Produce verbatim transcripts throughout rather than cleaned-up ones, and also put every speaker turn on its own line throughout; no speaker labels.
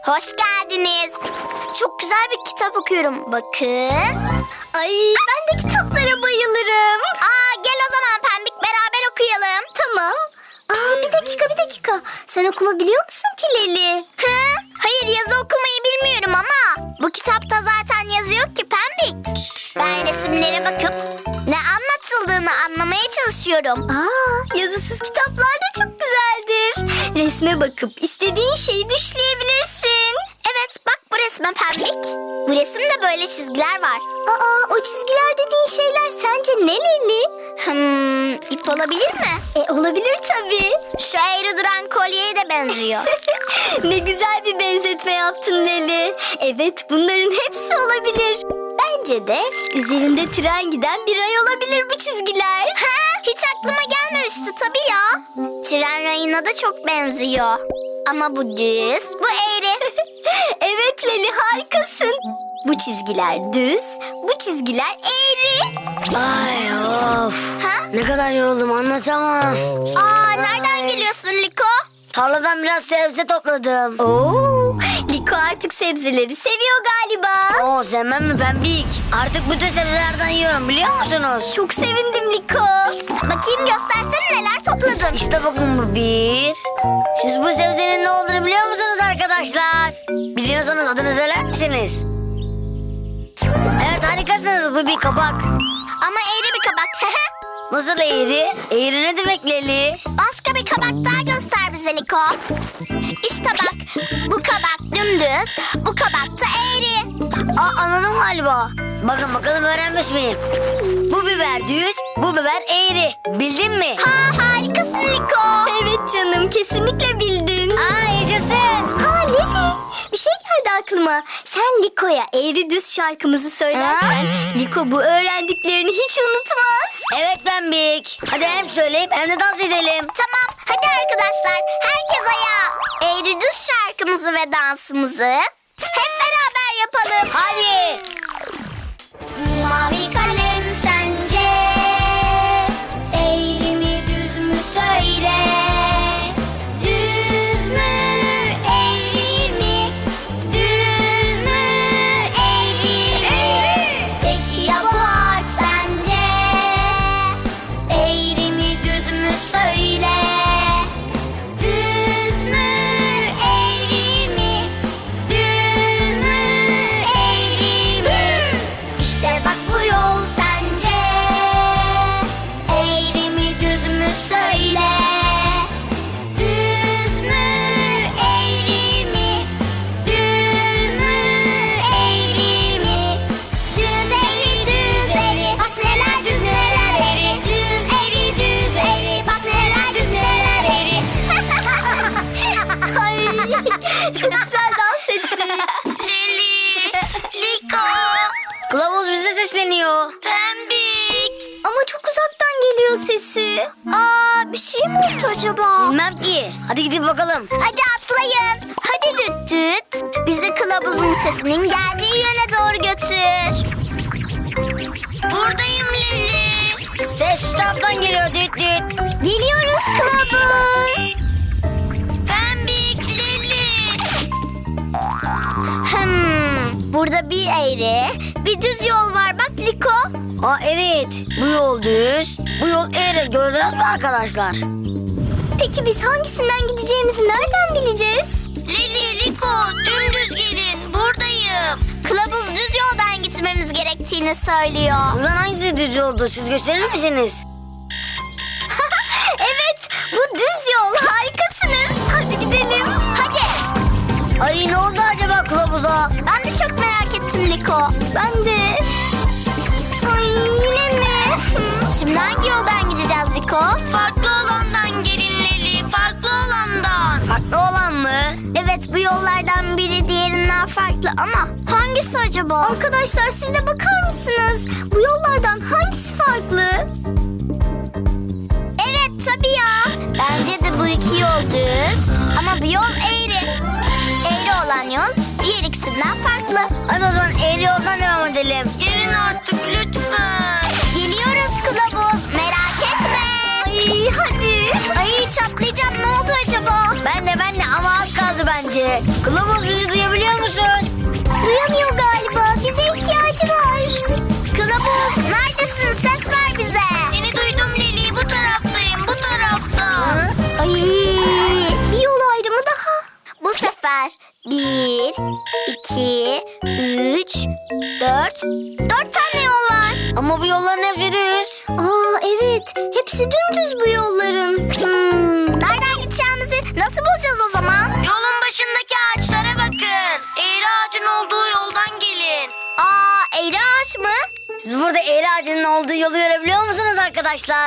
Hoş geldiniz. Çok güzel bir kitap okuyorum. Bakın.
Ay ben de kitaplara bayılırım.
Aa, gel o zaman Pembik, beraber okuyalım.
Tamam. Aa bir dakika bir dakika. Sen okuma biliyor musun ki Leli?
Hı? Hayır, yazı okumayı bilmiyorum ama bu kitapta zaten yazı yok ki Pembik. Ben resimlere bakıp ne anlatıldığını anlamaya çalışıyorum.
Aa yazısız kitaplar da çok güzeldir. Resme bakıp istediğin şeyi düşleyebilirsin.
Evet, bak bu resme Pembik. Bu resimde böyle çizgiler var.
Aa o çizgiler dediğin şeyler sence ne Leli?
Hmm, ip olabilir mi?
E olabilir tabii.
Şu eğri duran kolyeye de benziyor.
Ne güzel bir benzetme yaptın Leli. Evet bunların hepsi olabilir. Bence de üzerinde tren giden bir ay olabilir bu çizgiler.
Ha, hiç aklıma gelmemişti tabii ya. Tren rayına da çok benziyor. Ama bu düz, bu eğri.
Evet Leli harikasın. Bu çizgiler düz, bu çizgiler eğri.
Ay of.
Ha?
Ne kadar yoruldum anlatamam.
Aa, nereden geliyorsun Liko?
Tarladan biraz sebze topladım.
Oo, Liko artık sebzeleri seviyor galiba.
Oo sevmem mi Pembik? Artık bütün sebzelerden yiyorum biliyor musunuz?
Çok sevindim Liko.
Bakayım, göstersene neler topladın.
İşte bakın bu bir. Siz bu sebzenin ne olduğunu biliyor musunuz arkadaşlar? Biliyorsanız adını söyler misiniz? Evet harikasınız, bu bir kabak.
Ama eğri bir kabak.
Nasıl eğri? Eğri ne demek Leli?
Başka bir kabak daha göster bize Liko. İşte bak, bu kabak dümdüz, bu kabak da eğri.
Aa anladım galiba. Bakın bakalım öğrenmiş miyim? Bu biber düz, bu biber eğri. Bildin mi?
Ha, harikasın Liko.
Evet canım kesinlikle bildin.
Aa yaşasın.
Ha Leli bir şey geldi aklıma. Sen Liko'ya eğri düz şarkımızı söylersen Liko bu öğrendiklerini hiç unutmaz.
Evet Pembik. Hadi hem söyleyip hem de dans edelim.
Tamam, hadi arkadaşlar, herkes ayağa. Eğri düz şarkımızı ve dansımızı hep beraber yapalım.
Hadi.
Mavi kalem sence eğri mi düz mü söyle. Düz mü eğri mi? Düz mü eğri mi? Peki ya bu ağaç sence eğri mi düz mü söyle. Düz mü eğri mi? Düz mü eğri mi? İşte bak bu yol sence eğri mi düz mü söyle. Düz mü eğri mi? Düz mü eğri mi? Düz eğri düz eğri bak neler düz neler eğri. Düz eğri düz eğri bak neler düz neler eğri.
Ay çok güzel dans ettin.
Leli, Liko,
Kılavuz bize sesleniyor.
Pembik.
Ama çok uzaktan geliyor sesi.
Aa, bir şey mi oldu acaba?
Bilmem ki. Hadi gidip bakalım.
Hadi atlayın. Hadi düt düt. Bizi kılavuzun sesinin geldiği yöne doğru götür. Buradayım Leli.
Ses şu taraftan geliyor düt düt.
Geliyoruz kılavuz. Pembik, Leli. Hmm, burada bir eğri, bir düz yol var bak Liko.
Aa evet. Bu yol düz. Bu yol eğri. Gördünüz mü arkadaşlar?
Peki biz hangisinden gideceğimizi nereden bileceğiz?
Leli, Liko, dümdüz gelin. Buradayım. Kılavuz düz yoldan gitmemiz gerektiğini söylüyor.
Buradan hangisi düz yoldu? Siz gösterir misiniz?
Evet bu düz yol harikasınız. Hadi gidelim.
Hadi.
Ay ne oldu acaba kılavuza?
Ben de çok merak ettim Liko.
Ben de. Ay yine mi?
Şimdi hangi yoldan gideceğiz Liko? Farklı olandan gelin Leli. Farklı olandan.
Farklı olan mı?
Evet, bu yollardan biri diğerinden farklı ama hangisi acaba?
Arkadaşlar siz de bakar mısınız? Bu yollardan hangisi farklı?
Evet tabii ya. Bence de bu iki yol düz ama bir yol eğri. Eğri olan yol diğer ikisinden farklı.
Hadi o zaman eğri yoldan devam edelim.
Gelin artık lütfen. Geliyoruz kılavuz, merak etme.
Ay hadi.
Ay, çatlayacağım, ne oldu acaba?
Ben de ben de ama az kaldı bence. Kılavuz bizi duyabiliyor musun?
Duyamıyor galiba. Bize ihtiyacı var.
Kılavuz neredesin? Ses ver bize. Seni duydum Leli. Bu taraftayım. Bu tarafta.
Ay, bir yol ayrımı daha.
Bu sefer bir, iki, üç, dört. Dört tane yol var.
Ama bu yolların hepsi düz.
Aa evet. Hepsi dümdüz bu yolların. Hmm.
Nereden gideceğimizi nasıl bulacağız o zaman? Yolun başındaki ağaçlara bakın. Eğri ağacın olduğu yoldan gelin. Aa, eğri ağaç mı?
Siz burada eğri ağacının olduğu yolu görebiliyor musunuz arkadaşlar?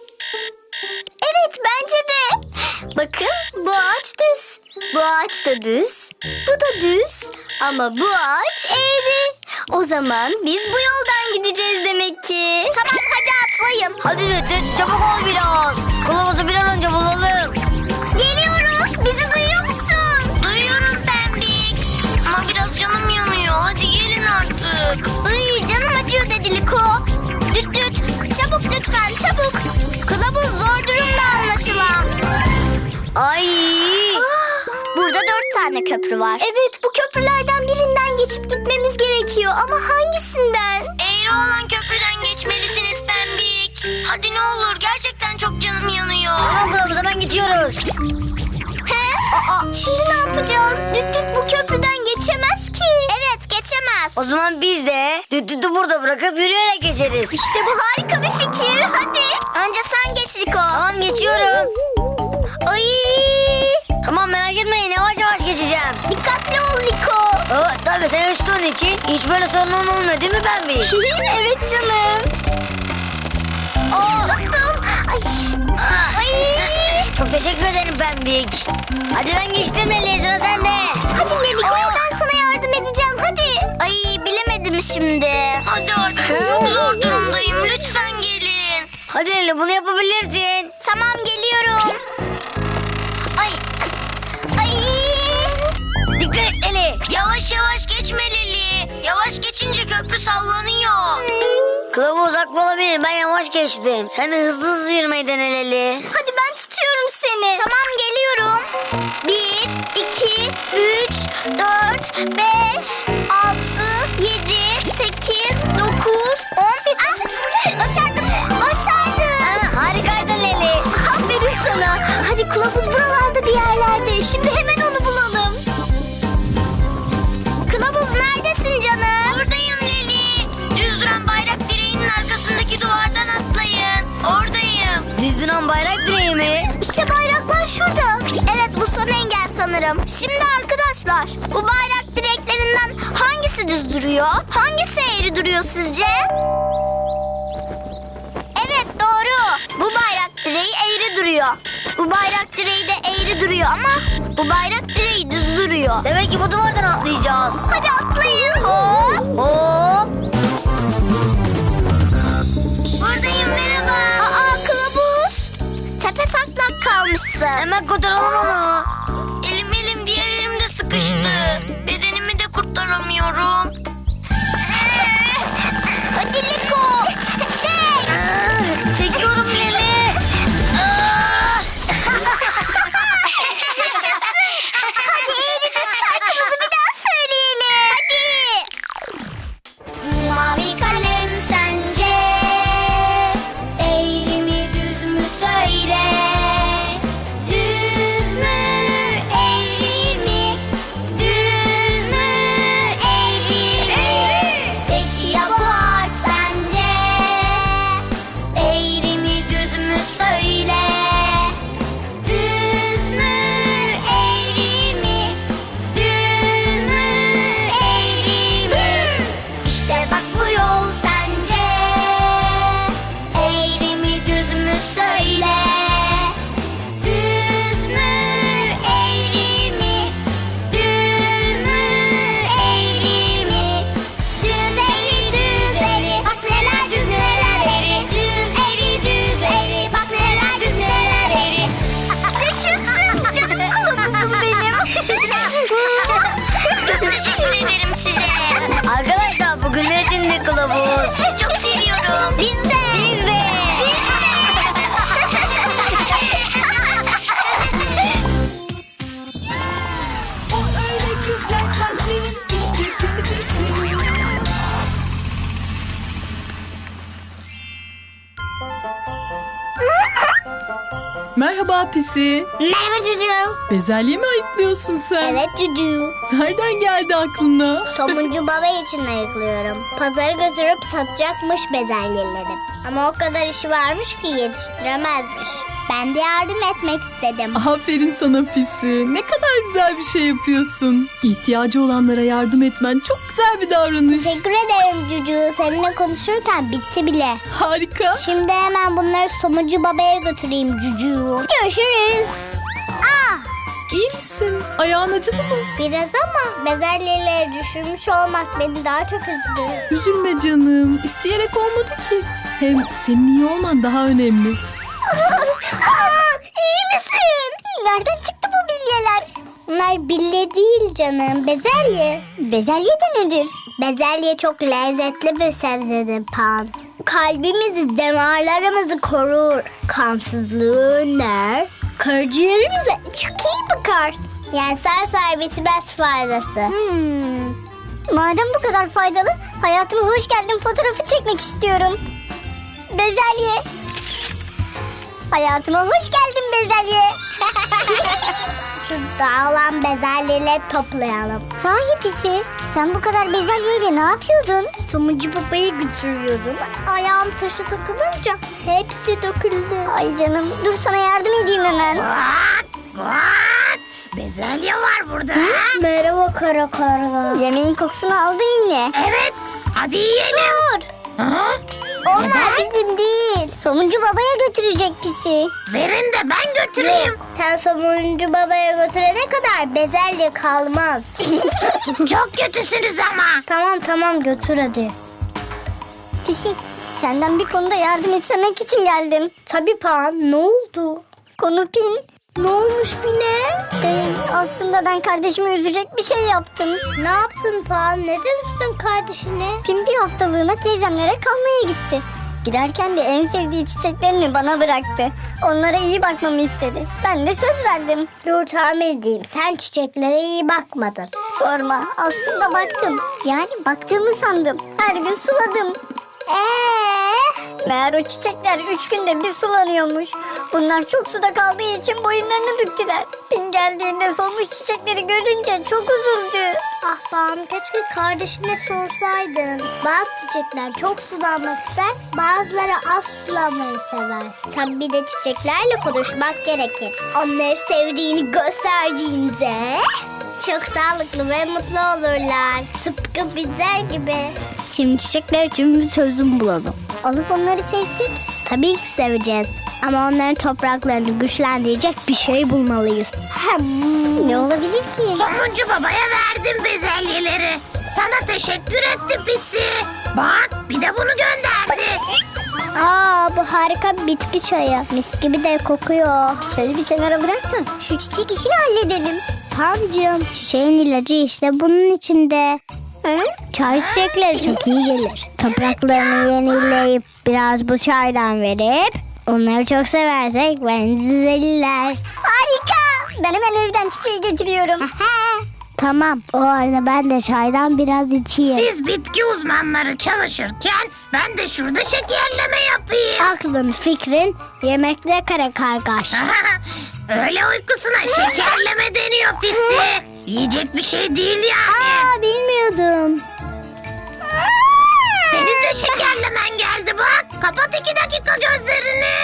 Evet bence de. Bakın bu ağaç düz. Bu ağaç da düz. Bu da düz. Ama bu ağaç eğri. O zaman biz bu yoldan gideceğiz demek ki.
Tamam hadi atlayın.
Hadi düt düt çabuk ol biraz. Kılavuzu bir an önce bulalım.
Geliyoruz. Bizi duyuyor musun? Duyuyorum Pembik. Ama biraz canım yanıyor. Hadi gelin artık. Iy, canım acıyor dedi Liko. Düt düt. Çabuk lütfen çabuk. Kılavuz zor durumda anlaşılan.
Ay.
Burada dört tane köprü var.
Evet bu köprülerden birinden geçip gitmemiz gerekiyor. Ama hangisinden?
Eğri olan köprüden geçmelisiniz Pembik. Hadi ne olur gerçekten çok canım yanıyor.
Tamam kılavuz hemen geçiyoruz.
He?
Aa, şimdi ne yapacağız? Düt düt bu köprüden geçemez ki.
Evet geçemez.
O zaman biz de düt dütü burada bırakıp yürüyerek geçeriz.
İşte bu harika bir fikir. Hadi.
Önce sen geç Liko.
Tamam geçiyorum.
Ay.
Tamam merak etmeyin yavaş yavaş geçeceğim.
Dikkatli ol Liko.
Aa, tabii sen uçtuğun için hiç böyle sorunun olmuyor değil mi Pembi?
Evet canım.
Oh.
Tuttum. Ay.
Ah.
Ay.
Çok teşekkür ederim Pembik. Hadi ben geçtim Leli sıra sende.
Hadi Liko
Oh.
ben sana yardım edeceğim. Hadi.
Ay bilemedim şimdi. Hadi artık çok zor durumdayım. Lütfen gelin.
Hadi Leli bunu yapabilirsin.
Tamam geliyorum. Ay. Ay.
Dikkat et Leli.
Yavaş yavaş geçme Leli. Yavaş geçince köprü sallanıyor.
Kılavuz haklı olabilir ben yavaş geçtim. Sen de hızlı hızlı yürümeyi dene Leli.
Hadi ben tutuyorum seni.
Tamam geliyorum. Bir, iki, üç, dört, beş, altı, yedi, sekiz, dokuz, on. Ah, başardım. Başardım.
Ha, harikaydın Leli.
Aferin sana. Hadi kılavuz buralarda bir yerlerde. Şimdi hemen onu bulalım.
Kılavuz neredesin canım? Buradayım Leli. Düz duran bayrak direğinin arkasındaki duvardan atlayın. Oradayım.
Düz duran bayrak direği mi?
İşte bayraklar şurada.
Evet bu son engel sanırım. Şimdi arkadaşlar bu bayrak direklerinden hangisi düz duruyor? Hangisi eğri duruyor sizce? Evet doğru. Bu bayrak direği eğri duruyor. Bu bayrak direği de eğri duruyor ama bu bayrak direği düz duruyor.
Demek ki bu duvardan atlayacağız.
Hadi atlayın. Hop.
Hop.
Buradayım merhaba. Aa kılavuz. Tepe taklak kalmışsın.
Hemen kurtaralım onu.
Elim elim diğer elimde sıkıştı. Bedenimi de kurtaramıyorum. Hadi Liko. Şey.
Ah, çekiyorum Leli. Ah.
Hadi eğri düz şarkımızı bir daha söyleyelim. Hadi. Mavi kalem sence eğri mi düz mü söyle. Düz mü
Merhaba Pisi.
Merhaba Cucu.
Bezelye mi ayıklıyorsun sen?
Evet Cucu.
Nereden geldi aklına?
Somuncu baba için ayıklıyorum. Pazara götürüp satacakmış bezelyeleri. Ama o kadar işi varmış ki yetiştiremezmiş. Ben de yardım etmek istedim.
Aferin sana Pisi. Ne kadar güzel bir şey yapıyorsun. İhtiyacı olanlara yardım etmen çok güzel bir davranış.
Teşekkür ederim Cucu. Seninle konuşurken bitti bile.
Harika.
Şimdi hemen bunları Somuncu babaya götüreyim Cucu. Görüşürüz. Ah!
İyi misin? Ayağın acıdı mı?
Biraz ama bezelyeleri düşürmüş olmak beni daha çok üzdü.
Üzülme canım. İsteyerek olmadı ki. Hem senin iyi olman daha önemli.
İyi misin? Nereden çıktı bu bilyeler? Bunlar bilye değil canım, bezelye.
Bezelye de nedir?
Bezelye çok lezzetli bir sebzedir Pan. Kalbimizi, damarlarımızı korur. Kansızlığı önler. Karaciğerimize çok iyi bakar. Yani sarsar bitmez faydası.
Hmm. Madem bu kadar faydalı, hayatıma hoş geldin fotoğrafı çekmek istiyorum. Bezelye. Hayatıma hoş geldin bezelye.
Şu dağılan bezelyeleri toplayalım.
Sahi Pisi, sen bu kadar bezelyeyle ne yapıyordun?
Somuncu babayı götürüyordum. Ayağım taşı takılınca hepsi döküldü.
Ay canım, dur sana yardım edeyim hemen.
Bezelye var burada.
Merhaba kara karga.
Yemeğin kokusunu aldın yine.
Evet. Hadi yiyelim.
Dur.
Ha?
Onlar bizim değil.
Somuncu babaya götürecek Pisi.
Verin de ben götüreyim.
Sen somuncu babaya götürene kadar bezelye kalmaz.
Çok kötüsünüz ama.
Tamam tamam götür hadi.
Pisi, senden bir konuda yardım etmek için geldim.
Tabii Pan, ne oldu?
Konu Pin.
Ne olmuş Pine?
Şey, aslında ben kardeşimi üzecek bir şey yaptım.
Ne yaptın Pan? Neden üstün kardeşine?
Pin bir haftalığına teyzemlere kalmaya gitti. Giderken de en sevdiği çiçeklerini bana bıraktı. Onlara iyi bakmamı istedi. Ben de söz verdim.
Dur tahmin edeyim. Sen çiçeklere iyi bakmadın.
Sorma, aslında baktım. Yani baktığımı sandım. Her gün suladım.
Eee?
Meğer o çiçekler üç günde bir sulanıyormuş. Bunlar çok suda kaldığı için boyunlarını büktüler. Pin geldiğinde solmuş çiçekleri görünce çok üzüldü.
Ah Pan, keşke kardeşine sorsaydın. Bazı çiçekler çok sulanmak ister, bazıları az sulanmayı sever. Tabii bir de çiçeklerle konuşmak gerekir. Onları sevdiğini gösterdiğinde çok sağlıklı ve mutlu olurlar. Tıpkı bizler gibi. Şimdi çiçekler için bir çözüm bulalım.
Alıp onları sevsek?
Tabii ki seveceğiz. Ama onların topraklarını güçlendirecek bir şey bulmalıyız. Hmm.
Ne olabilir ki?
Somuncu babaya verdim bezelyeleri. Sana teşekkür etti Pisi. Bak bir de bunu gönderdi.
Aa, bu harika bir bitki çayı. Mis gibi de kokuyor.
Çayı bir kenara bırak da şu çiçek işini halledelim.
Pancığım, çiçeğin ilacı işte bunun içinde.
Hı?
Çay çiçekleri çok iyi gelir. Topraklarını yenileyip biraz bu çaydan verip onları çok seversek bence düzelirler.
Harika. Ben hemen evden çiçeği getiriyorum.
Tamam, o arada ben de çaydan biraz içeyim.
Siz bitki uzmanları çalışırken ben de şurada şekerleme yapayım.
Aklın, fikrin yemekte kara kargaş.
Öyle uykusuna şekerleme deniyor Pisi. Yiyecek bir şey değil yani.
Aa, bilmiyordum.
Senin de şekerlemen geldi bak. Kapat iki dakika gözlerini.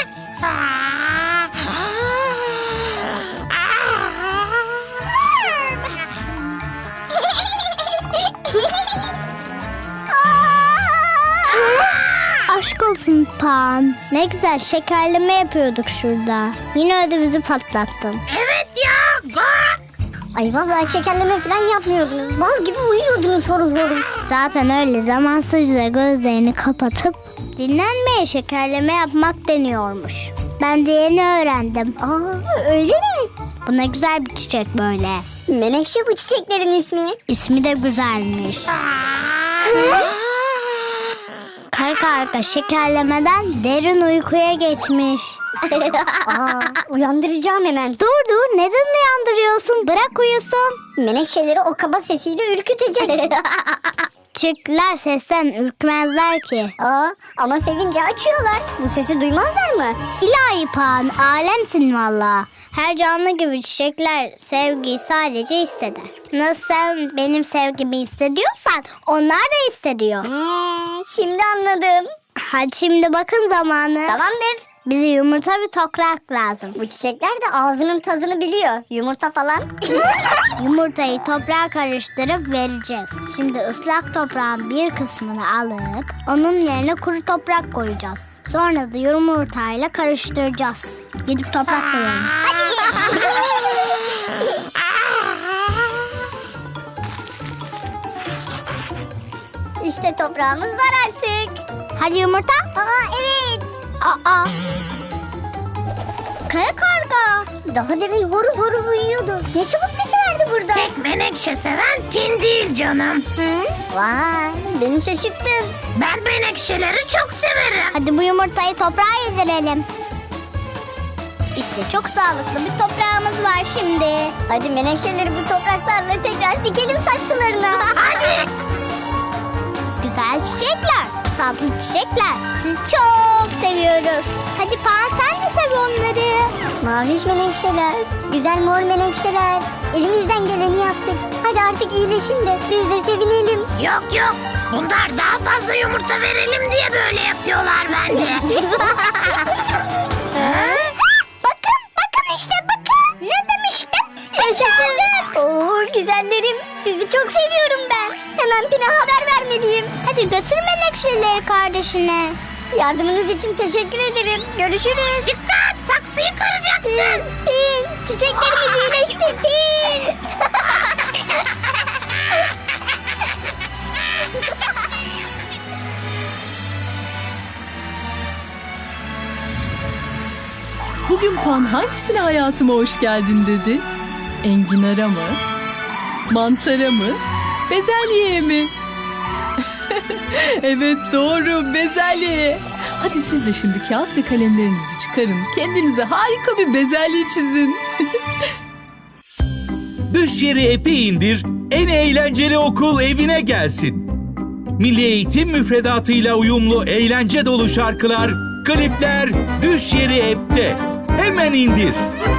Aşk olsun Pan. Ne güzel şekerleme yapıyorduk şurada. Yine ödümüzü patlattın.
Evet ya bak.
Ay vallahi şekerleme falan yapmıyordunuz. Bal gibi uyuyordunuz horul horul.
Zaten öyle zamansızca gözlerini kapatıp dinlenmeye şekerleme yapmak deniyormuş. Ben de yeni öğrendim.
Aa, öyle mi?
Bu ne güzel bir çiçek böyle.
Menekşe bu çiçeklerin ismi.
İsmi de güzelmiş. Karka arka şekerlemeden derin uykuya geçmiş.
Aa, uyandıracağım hemen.
Dur dur, neden uyandırıyorsun? Bırak uyusun.
Menekşeleri o kaba sesiyle ürkütecek.
Küçükler sesten ürkmezler ki.
Aa, ama sevince açıyorlar. Bu sesi duymazlar mı?
İlahi Pan, alemsin valla. Her canlı gibi çiçekler sevgiyi sadece hisseder. Nasıl sen benim sevgimi hissediyorsan onlar da hissediyor.
Hmm, şimdi anladım.
Hadi şimdi bakın zamanı.
Tamamdır.
Bize yumurta ve toprak lazım.
Bu çiçekler de ağzının tadını biliyor. Yumurta falan.
Yumurtayı toprağa karıştırıp vereceğiz. Şimdi ıslak toprağın bir kısmını alıp onun yerine kuru toprak koyacağız. Sonra da yumurtayla karıştıracağız. Gidip toprak koyalım.
İşte toprağımız var artık.
Hadi yumurta.
Aa, evet.
Aa. Kara karga.
Daha demin horul horul uyuyordu. Ne çabuk bitiverdi burada.
Tek menekşe seven Pin değil canım.
Vay, beni şaşırttın.
Ben menekşeleri çok severim.
Hadi bu yumurtayı toprağa yedirelim. İşte çok sağlıklı bir toprağımız var şimdi.
Hadi menekşeleri bu topraklarla tekrar dikelim saksılarına.
Hadi. Güzel çiçekler, tatlı çiçekler. Sizi çok seviyoruz. Hadi Pan sen de sev onları.
Maviş menekşeler, güzel mor menekşeler. Elimizden geleni yaptık. Hadi artık iyileşin de biz de sevinelim.
Yok yok. Bunlar daha fazla yumurta verelim diye böyle yapıyorlar bence.
Bakın, bakın işte bakın. Ne demiştim?
Yaşasın. Oo, güzellerim. Sizi çok seviyorum ben. Hemen Pin'e haber vermeliyim.
Hadi götür menekşeleri kardeşine.
Yardımınız için teşekkür ederim. Görüşürüz.
Dikkat, saksıyı kıracaksın.
Pin, çiçeklerimiz iyileşti. Pin.
Bugün Pan hangisine hayatıma hoş geldin dedi? Enginara mı? Mantara mı? Bezelyeye mi? Evet doğru, bezelyeye. Hadi siz de şimdi kağıt ve kalemlerinizi çıkarın. Kendinize harika bir bezelye çizin.
Düş yeri app'i indir, en eğlenceli okul evine gelsin. Milli Eğitim müfredatıyla uyumlu eğlence dolu şarkılar, klipler Düş yeri app'te. Hemen indir.